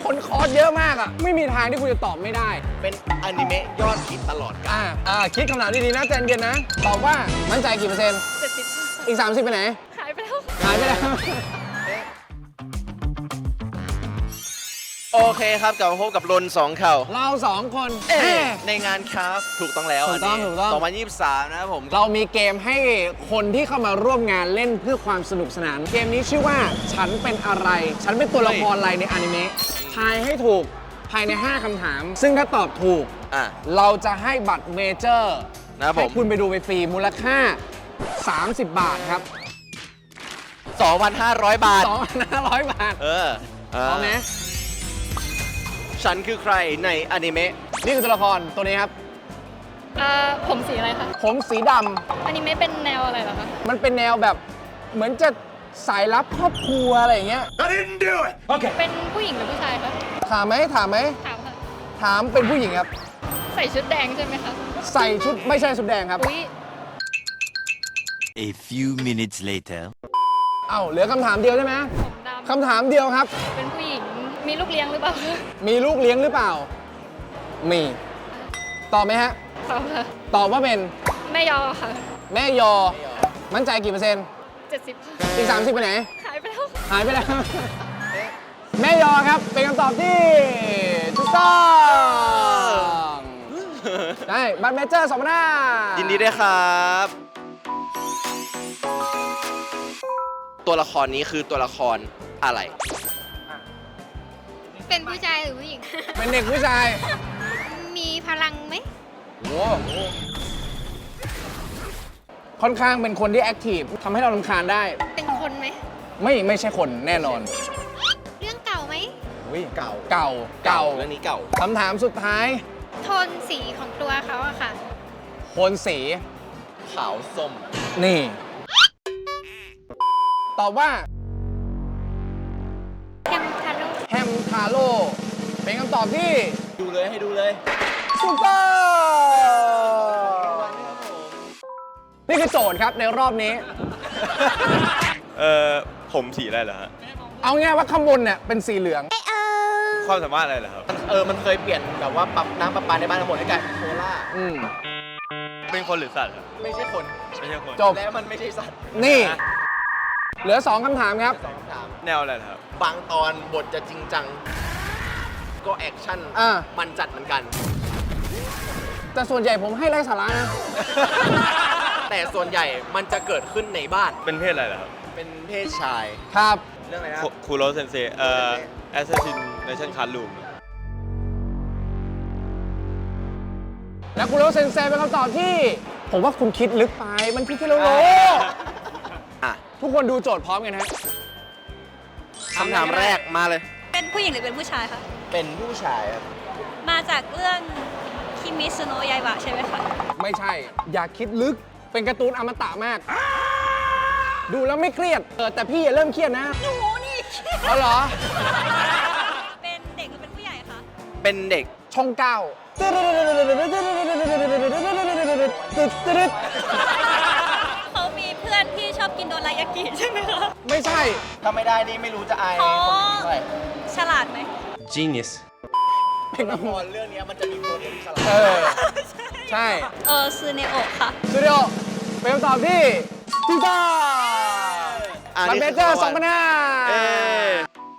คนคอร์สเยอะมากอ่ะไม่มีทางที่คุณจะตอบไม่ได้เป็นอนิเมะยอดฮิตตลอดกาลคิดคำถามดีๆนะใจเย็นนะตอบว่ามั่นใจกี่เปอร์เซ็นต์ 70 อีก 30ไปไหนหายไปแล้วหายไปแล้วโอเคครับกลับมาพบกับรนสองเข่าเรา2 คนในงานครับถูกต้องแล้วถูกต้องนนี้ถูกต้อง 2023 นะครับผมเรามีเกมให้คนที่เข้ามาร่วมงานเล่นเพื่อความสนุกสนาน เกมนี้ชื่อว่าฉันเป็นอะไร ฉันเป็นตัวละครอะไรในอนิเมะทายให้ถูกภายใน 5 คำถาม ซึ่งถ้าตอบถูกอ่ะเราจะให้บัตรเมเจอร์นะครับผมให้คุณไปดูไปฟรีมูลค่า 30 บาทครับ 2,500 บาท 2,500 บาทพพร้อมไหมฉันคือใครในอนิเมะนี่คือตัวละครตัวนี้ครับผมสีอะไรคะผมสีดอันนี้ไม่เป็นแนวอะไรเหรอคะำมันเป็นแนวแบบเหมือนจะสายลับครอบครัวอะไรอย่างเงี้ยเป็นผู้หญิงหรือผู้ชายคะถามไหมถามค่ะถามเป็นผู้หญิงครับใส่ชุดแดงใช่ไหมคะใส่ชุดไม่ใช่ชุดแดงครับอุ๊ย A few minutes later. เอ้าเหลือคำถามเดียวใช่ไหมผมดำคำถามเดียวครับเป็นผู้หญิง มีลูกเลี้ยงหรือเปล่าคะมีลูกเลี้ยงหรือเปล่า มี ตอบไหมฮะตอบค่ะตอบว่าเป็นแม่ยอค่ะแม่ยอ มั่นใจกี่เปอร์เซ็นต์ 70ค่ะอีก 30ไปไหนหายไปแล้วหายไปแล้ว แม่ยอครับ เป็นคำตอบที่ถูกต้อง ได้บัตรเมเจอร์2,500 ยินดีด้วยครับ ตัวละครนี้คือตัวละครอะไรเป็นผู้ชายหรือผู้หญิงเป็นเด็กผู้ชายมีพลังไหมโอ้ค่อนข้างเป็นคนที่แอคทีฟทำให้เรารำคาญได้เป็นคนไหมไม่ใช่คนแน่นอนเรื่องเก่าไหมอุ๊ยเก่าเก่าเรื่องนี้เก่าคำถามสุดท้ายโทนสีของตัวเขาอะค่ะโทนสีขาวส้มนี่ ตอบว่าแคมทาโร่แฮมทาโร่เป็นคำตอบที่ดูเลยให้ดูเลยถูกต้องนี่คือโจทย์ครับในรอบนี้ผมสีอะไรเหรอฮะเอาง่ายว่าข้างบนเนี่ยเป็นสีเหลืองความสามารถอะไรเหรอครับมันเคยเปลี่ยนแบบว่าปรับน้ำประปาในบ้านทั้งหมดให้กลายเป็นโคล่าอืมเป็นคนหรือสัตว์ครับไม่ใช่คนไม่ใช่คนจบและมันไม่ใช่สัตว์นี่ เหลือ 2 คำถามครับสองคำถามแนวอะไรเหรอครับบางตอนบทจะจริงจัง ก็แอคชั่นอ่ามันจัดเหมือนกันแต่ส่วนใหญ่ผมให้ไร้สาระนะแต่ส่วนใหญ่มันจะเกิดขึ้นในบ้านเป็นเพศอะไรเหรอครับเป็นเพศชายครับเรื่องอะไรนะคูโรเซนเซAssassination Classroom และคุณโรเซนเซเป็นคำตอบที่ ผมว่าคุณคิดลึกไป มันคิดแค่โลโลอ่ะทุกคนดูโจทย์พร้อมกันนะฮะคำถามแรกมาเลยเป็นผู้หญิงหรือเป็นผู้ชายคะเป็นผู้ชายครับมาจากเรื่องคิมิสโนะยายบะใช่ไหมคะไม่ใช่ อย่าคิดลึก เป็นการ์ตูนอมตะมาก ดูแล้วไม่เครียด แต่พี่อย่าเริ่มเครียดนะหนูนี่เอาเหรอเป็นเด็กหรือเป็นผู้ใหญ่คะเป็นเด็กช่องเก้าเขามีเพื่อนที่ชอบกินโดรายากิใช่ไหมคะไม่ใช่ถ้าไม่ได้นี่ไม่รู้จะอายอ๋คอนอื่นเท่าไหร่ฉลาดไหม Genius. เป็นละครเรื่องนี้มันจะมีตัวที่ฉลาดใช่ซูเนโอะค่ะสตูดิโอเป็นคำตอบที่ถูกต้องอ่ะบัตรนี่เมคือเจอร์คำว่า เอ๊ะ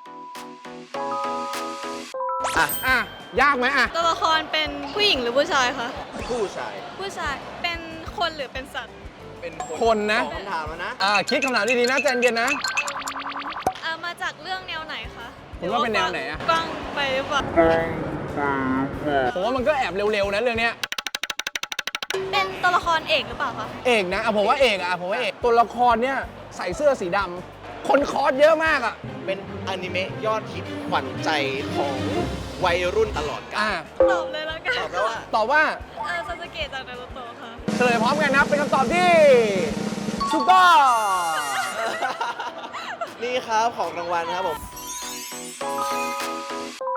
2,500 อ่ะอ่ะ ยากไหมอ่ะตัวละครเป็นผู้หญิงหรือผู้ชายคะผู้ชายผู้ชาย เป็นคนหรือเป็นสัตว์เป็นคนนะสองคำถามแล้วนะคิดคำถามดีๆนะใจเย็นนะมาจากเรื่องแนวไหนคะคุณว่าเป็นแนวไหนอะกว้างไปหรือเปล่าผมว่ามันก็แอบเร็วๆนะเรื่องเนี้ยเป็นตัวละครเอกหรือเปล่าคะเอกนะผมว่าเอกอ่ะผมว่าเอกตัวละครเนี่ยใส่เสื้อสีดำคนคอร์สเยอะมากอ่ะเป็นอนิเมะยอดฮิตขวัญใจของวัยรุ่นตลอดกาอ่ะลตอบเลยแล้วกันตอบแล้วว่าตอบว่าซาสเกะจากนารูโตะค่ะเฉลยพร้อมกันนะเป็นคำตอบที่ถูกต้องนี่ครับของรางวัลครับผม